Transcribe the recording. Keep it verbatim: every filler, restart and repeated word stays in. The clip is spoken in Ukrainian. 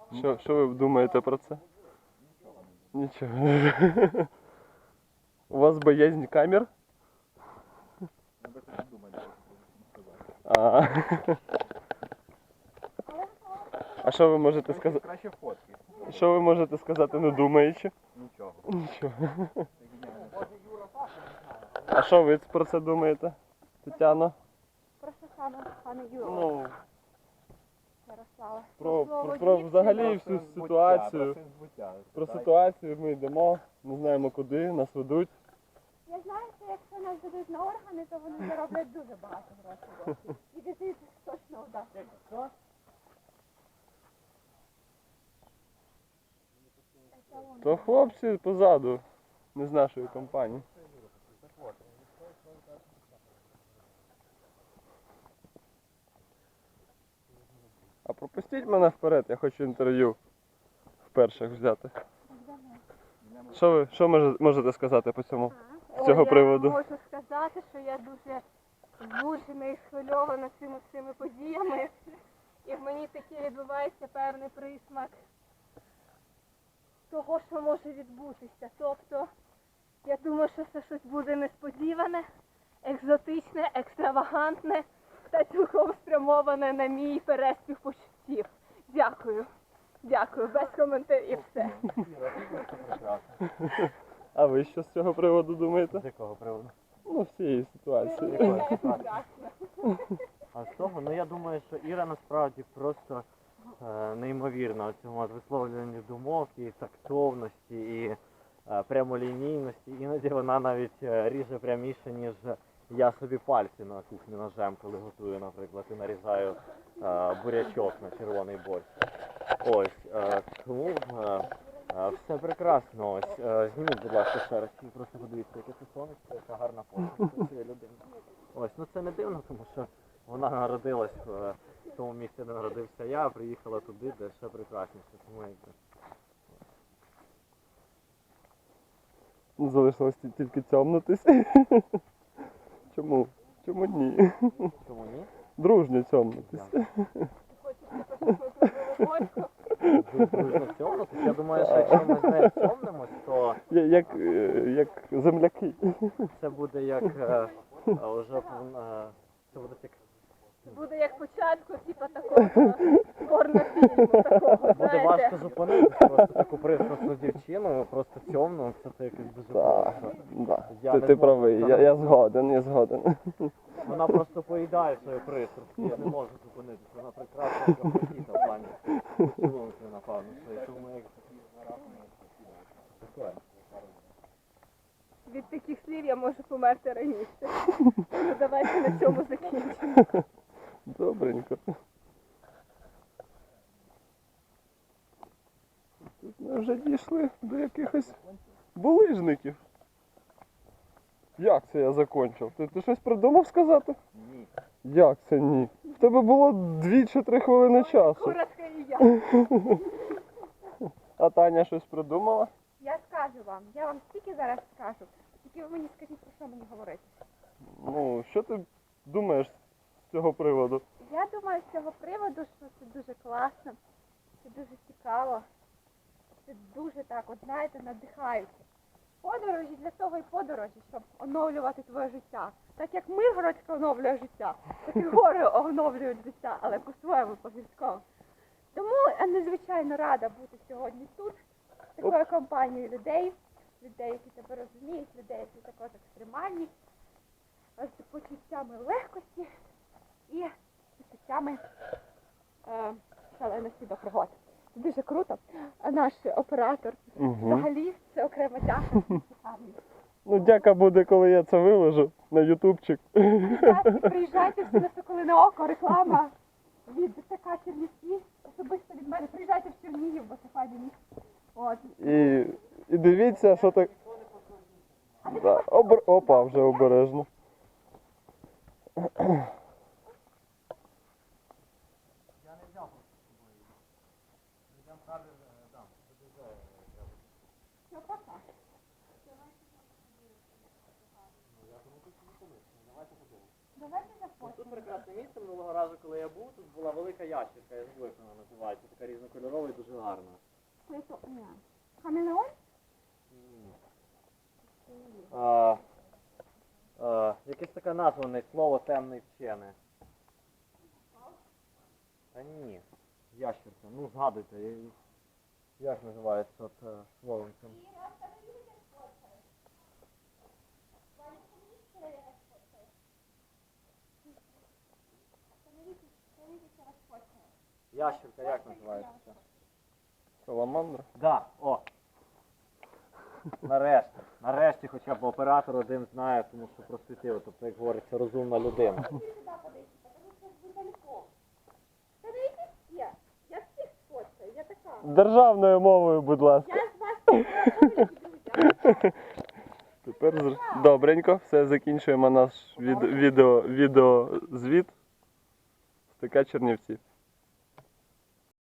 Що, що ви думаєте про це? Нічого. У вас боязнь камер? А, а що ви можете сказати? Краще фотки. Що ви можете сказати, не думаючи? Нічого. Нічого. А що ви про це думаєте, Тетяна? Про що саме, пане Юро? Ну, Ярослава. про, Слово про, про дівчини. взагалі всю ситуацію. Про збуття. Про ситуацію ми йдемо, не знаємо куди, нас ведуть. Я знаю, що якщо нас дадуть на органи, то вони зароблять дуже багато грошей. І дитина точно вдасться. То хлопці позаду, не з нашої компанії. А пропустіть мене вперед, я хочу інтерв'ю вперше взяти. Що ви що може- можете сказати по цьому? З цього Ой, приводу. Я можу сказати, що я дуже збуджена і схвильована цими всіми подіями. І в мені таки відбувається певний присмак того, що може відбутися. Тобто, я думаю, що це щось буде несподіване, екзотичне, екстравагантне та цілком спрямоване на мій переспів почуттів. Дякую. Дякую. Без коментарів все. А ви що з цього приводу думаєте? З якого приводу? Ну, всієї ситуації. А з того, ну я думаю, що Іра насправді просто е, неймовірна у цьому от висловлюванні думок і тактовності, і е, прямолінійності. Іноді вона навіть е, ріже пряміше, ніж я собі пальці на кухні ножем, коли готую, наприклад, і нарізаю е, бурячок на червоний борщ. Ось, е, тому е, е, все прекрасно. Ось, е, зніміть, будь ласка, ще раз, і просто подивіться, яке це сонечко, яка гарна посмішка цієї людини. Ось, ну це не дивно, тому що вона народилась в в тому місці, де народився я, а приїхала туди, де ще прекрасніше. Тому якби. Залишилось ті- тільки цьомнутись. Чому? Чому ні? Чому ні? Дружньо цьомнутись. Дружно цьомнутися. Я думаю, що якщо ми з нею цьомнимось, то Я- Як, е, як земляки. це буде як е, е, уже е, це буде як Буде як початку, типу такого порнофільму, такого, буде знаєте. важко зупинитися, просто таку пристрасну дівчину, просто цьомну, це ти якось дуже Так, просто. да. Я Ти, не ти зможу правий, я, я згоден, я згоден. Вона просто поїдає свою пристрасть, я не можу зупинитися, вона прекрасна капотіта в плані поцілунки, напевно, що і тому як таке. Від таких слів я можу померти раніше. Ну, давайте на цьому закінчимо. Добренько. Тут ми вже дійшли до якихось булижників. Як це я закончив? Ти, ти щось придумав сказати? Ні. Як це ні? В тебе було дві чи три хвилини часу. Коротко і я. А Таня щось придумала? Я скажу вам, я вам стільки зараз скажу. Тільки ви мені скажіть, про що мені говорити. Ну, що ти думаєш з цього приводу? Я думаю з цього приводу, що це дуже класно, це дуже цікаво, це дуже так, от знаєте, надихаюче. Подорожі для того і подорожі, щоб оновлювати твоє життя. Так як Миргородська оновлює життя, так і гори оновлюють життя, але по-своєму, по-гірському. Тому я надзвичайно рада бути сьогодні тут, з такою компанією людей, людей, які тебе розуміють, людей, які також екстремальні, з почуттями легкості і почуттями е, шаленості до пригод. Це дуже круто. А наш оператор Угу. взагалі це окрема дяка. Ну, дяка буде, коли я це виложу на ютубчик. Приїжджайте, приїжджайте всі на Соколине око, реклама від ТК Чернівці, особисто від мене. Приїжджайте в Чернігів, бо це файне місце. От. І, і дивіться, що так. Да. Обр... Опа, вже обережно. Все, пока. Давайте заходимо. прекрасне місце. Минулого разу, коли я був, тут була велика ящерка, я забув, як вона називається, така різнокольорова і дуже гарна. Хамелеон? А, а, якесь таке назване слово темний вчене. Та ні, ящерка, ну згадуйте, я- як називається от е, словом цим? Ящерка, як називається? Саламандра. Да, о. Нарешті. Нарешті хоча б оператор один знає, тому що просвітив, тобто, як говориться, розумна людина. Сюди подивіться, тому що ви далеко. Та дивіться всі. Я всіх сфоткаю, я така. Державною мовою, будь ласка. Я з вас познайомлюсь, друзі. Тепер зр- добренько, все, закінчуємо наш від- відео, відеозвіт з ТК Чернівці.